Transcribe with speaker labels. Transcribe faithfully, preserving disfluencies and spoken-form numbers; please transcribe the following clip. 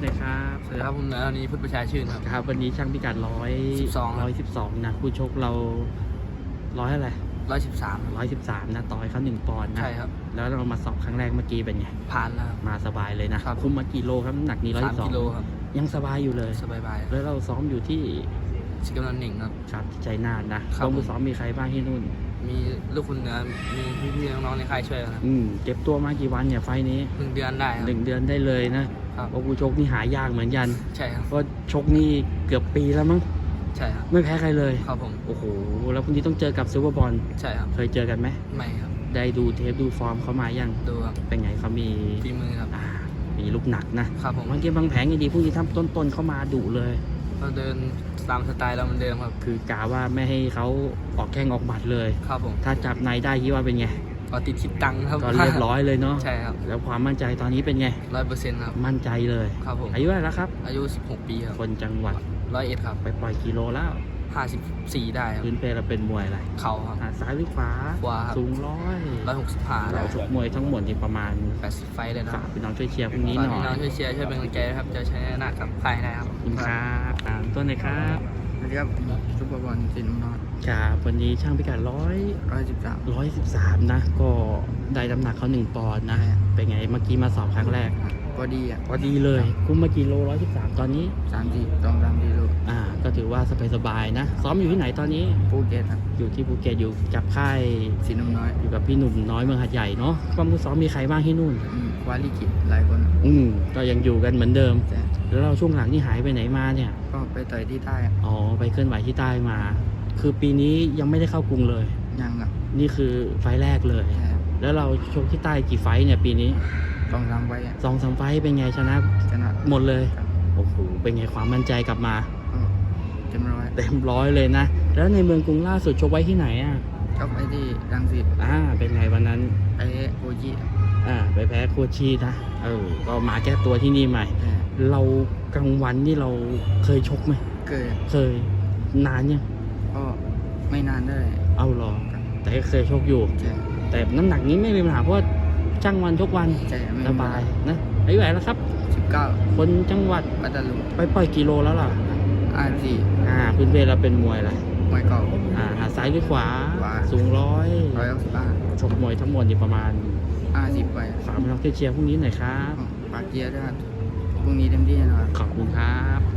Speaker 1: หน่อยครับ
Speaker 2: สวัสดีครับผมนายนี้พุทธประชาชื่นครับ
Speaker 1: ครับวันนี้ช่างพิกัดร้อย
Speaker 2: สิบสอง
Speaker 1: ร้อยสิบสองนะผู้ชกเราร้อยอะไร
Speaker 2: ร้อยสิบสาม
Speaker 1: ร้อยสิบสามนะต่อยเขาหนึ่งปอนด์นะ
Speaker 2: ใช่ครับ
Speaker 1: แล้วเรามาสอบครั้งแรกเมื่อกี้เป็นไง
Speaker 2: ผ่านแล้ว
Speaker 1: มาสบายเลยนะครับ คุมมากี่โลครับน้ำหนักนี้ร้อย
Speaker 2: สาม
Speaker 1: สอง
Speaker 2: กิโลครับ
Speaker 1: ยังสบายอยู่เลย
Speaker 2: สบายบาย
Speaker 1: แล้วเราซ้อมอยู่ที่
Speaker 2: สิกำลังหนึ่งครับ
Speaker 1: ครับใจนาดนะครับ ผู้ซ้อมมีใครบ้างที่นู่น
Speaker 2: มีลูกคุณเหนือมีพี่ๆน้องๆในค่ายช่วยกันครับ
Speaker 1: อืมเก็บตัวมากี่วันเนี่ยไฟล์นี้
Speaker 2: หนึ่งเดือนได้ครับ
Speaker 1: หนึ่งเดือนได้เลยนะครับ เพราะผู้ชกนี่หายากเหมือนกัน
Speaker 2: ใช่ครับ
Speaker 1: ก็ชกนี่เกือบปีแล้วมั้ง
Speaker 2: ใช่ครับ
Speaker 1: ไม่แพ้ใครเลย
Speaker 2: ครับผม
Speaker 1: โอ้โหแล้วพรุ่งนี้ต้องเจอกับซูเปอร์บอล
Speaker 2: ใช่ครับ
Speaker 1: เคยเจอกันไหม
Speaker 2: ไม่ครับ
Speaker 1: ได้ดูเทปดูฟอร์มเขามายัง
Speaker 2: ดูครับ
Speaker 1: เป็นไงเขามี
Speaker 2: ฝีมือครับ
Speaker 1: อ่ามีลูกหนักนะครับ
Speaker 2: ผม
Speaker 1: บางเกมบางแผงยังดีพวกนี้ทำต้นๆเข้ามาดุเลย
Speaker 2: ก็เดินตามสไตล์เราเหมือนเดิมครับ
Speaker 1: คือกาว่าไม่ให้เขาออกแข้งออกหมัดเลย
Speaker 2: ครับผม
Speaker 1: ถ้าจับในได้คิดว่าเป็นไง
Speaker 2: ก็ติดคิดตังค์ครับ
Speaker 1: ก็เรียบร้อยเลยเนาะ
Speaker 2: ใช่ครับ
Speaker 1: แล้วความมั่นใจตอนนี้เป็นไง
Speaker 2: ร้อยเปอร์เซ็นต์ครับ
Speaker 1: มั่นใจเลย
Speaker 2: ครับผม
Speaker 1: อายุเท่าไหร่แล้วครับ
Speaker 2: อายุสิบหกปีครับ
Speaker 1: คนจังหวัด
Speaker 2: ร้อยเอ็ดครับ
Speaker 1: ไปปล่อยกิโลแล้ว
Speaker 2: ห้าสิบสี่ได้ครับ
Speaker 1: พื้นเพเราเป็นมวยอะไร
Speaker 2: เข่าครับ
Speaker 1: หาซ้ายหรือขวา
Speaker 2: ขวาครับ
Speaker 1: สูงร้อย
Speaker 2: ร้อยหกสิบห้า
Speaker 1: เราชกมวยทั้งหมดที่ประมาณ
Speaker 2: แปดสิบไฟเลยนะค
Speaker 1: ฝา
Speaker 2: รั
Speaker 1: ก
Speaker 2: บ
Speaker 1: พี่น้องช่วยเชียร์พรุ่งนี้
Speaker 2: ฝาก
Speaker 1: หน่อ
Speaker 2: พี่น้อง
Speaker 1: ย
Speaker 2: ช่วยเชียร์ช่วยเป็นกำลังใจนะครับจะใช้หน้ากับใครได้ครับ
Speaker 1: ขอบคุณครับอ่าต้นไหนครับ
Speaker 2: สวัสดีครับซุปเปอร์บอลสินน้อย
Speaker 1: ครับวันนี้ช่างพิกัดร้อย
Speaker 2: ร้อยสิบสาม
Speaker 1: ร้อยสิบสามนะ ก็ได้น้ำหนักเขาหนึ่งปอนด์นะ
Speaker 2: ใช่
Speaker 1: เป็นไงเมื่อกี้มาสอบครั้งแรก
Speaker 2: พอดีอ่ะ
Speaker 1: พอดีเลย คุ้มมากี่โลร้อยสิบสามตอนนี้
Speaker 2: สามสี่สองสามสี่ลูก
Speaker 1: อ่า ก็ถือว่าสบายๆนะ ซ้อมอยู่ที่ไหนตอนนี้
Speaker 2: ภูเก็ตครับ
Speaker 1: อยู่ที่ภูเก็ตอยู่กับค่าย
Speaker 2: สินน้อย
Speaker 1: อยู่กับพี่หนุ่มน้อยเมืองหัดใหญ่เนาะความมือซ้อมมีใครบ้างที่นู่น
Speaker 2: อืมวาลิกิหลายคน
Speaker 1: อืมก็ยังอยู่กันเหมือนเดิม
Speaker 2: แต่
Speaker 1: แล้วเราช่วงหลังนี่หายไปไหนมาเนี่ย
Speaker 2: ก็ไปต่อยที่ใต้อะ
Speaker 1: อ๋อ ไปเคลื่อนไหวที่ใต้มา คือปีนี้ยังไม่ได้เข้ากรุงเลย
Speaker 2: ยังครับ
Speaker 1: นี่คือไฟล์แรกเลย
Speaker 2: ใช่ครับ
Speaker 1: แล้วเราชกที่ใต้กี่ไฟล์เนี่ยปีนี้
Speaker 2: สองสามไว้อะ
Speaker 1: สองสามไฟล์เป็นไงชนะ
Speaker 2: ชนะ
Speaker 1: หมดเลย
Speaker 2: ครับ
Speaker 1: โอ้โห เป็นไงความมั่นใจกลับมา
Speaker 2: ก็เต็มร้อย
Speaker 1: เต็มร้อยเลยนะ แล้วในเมืองกรุงล่าสุดชกไว้ที่ไหนอ่ะ
Speaker 2: ก็ไปที่รังสิต
Speaker 1: อ่า เป็นไงวันนั้น
Speaker 2: ไปโอจิ
Speaker 1: อ่า ไปแพ้โคชีนะ เออ ก็มาแก้ตัวที่นี่ใหม่
Speaker 2: แต่
Speaker 1: เรากลางวันนี่เราเคยชกไหม
Speaker 2: เกิด
Speaker 1: เคย นานยัง
Speaker 2: ก็ไม่นานได้
Speaker 1: เอาหรอ แต่ก็เคยชกอยู่
Speaker 2: ใช่
Speaker 1: แต่น้ำหนักนี้ไม่มีปัญหาเพราะว่าจ้างวันชกวัน
Speaker 2: ใช่ไม่
Speaker 1: สบายนะอายุเท่าไหร่แล้วครับ
Speaker 2: สิบเก้า
Speaker 1: คนจังหวัด
Speaker 2: ปัตตานี
Speaker 1: ไปปล่อยกิโลแล้วล่ะ
Speaker 2: อาสี่
Speaker 1: อ่า พื้นเพเราเป็นมวยอะไร
Speaker 2: มวยเก่า
Speaker 1: อ่าหาซ้ายหรือขวา
Speaker 2: ขวา
Speaker 1: สูงร้อย
Speaker 2: ร้อยหกสิบห้า
Speaker 1: ชกมวยทั้งหมดนี่ประมาณ
Speaker 2: ห้าสิบไป
Speaker 1: ฝากพี่น้องเชียร์พรุ่งนี้หน่อยครับ
Speaker 2: ปากเกียร์ด้วยครับพรุ่งนี้เต็มที่แน่นอน
Speaker 1: ขอบคุณครับ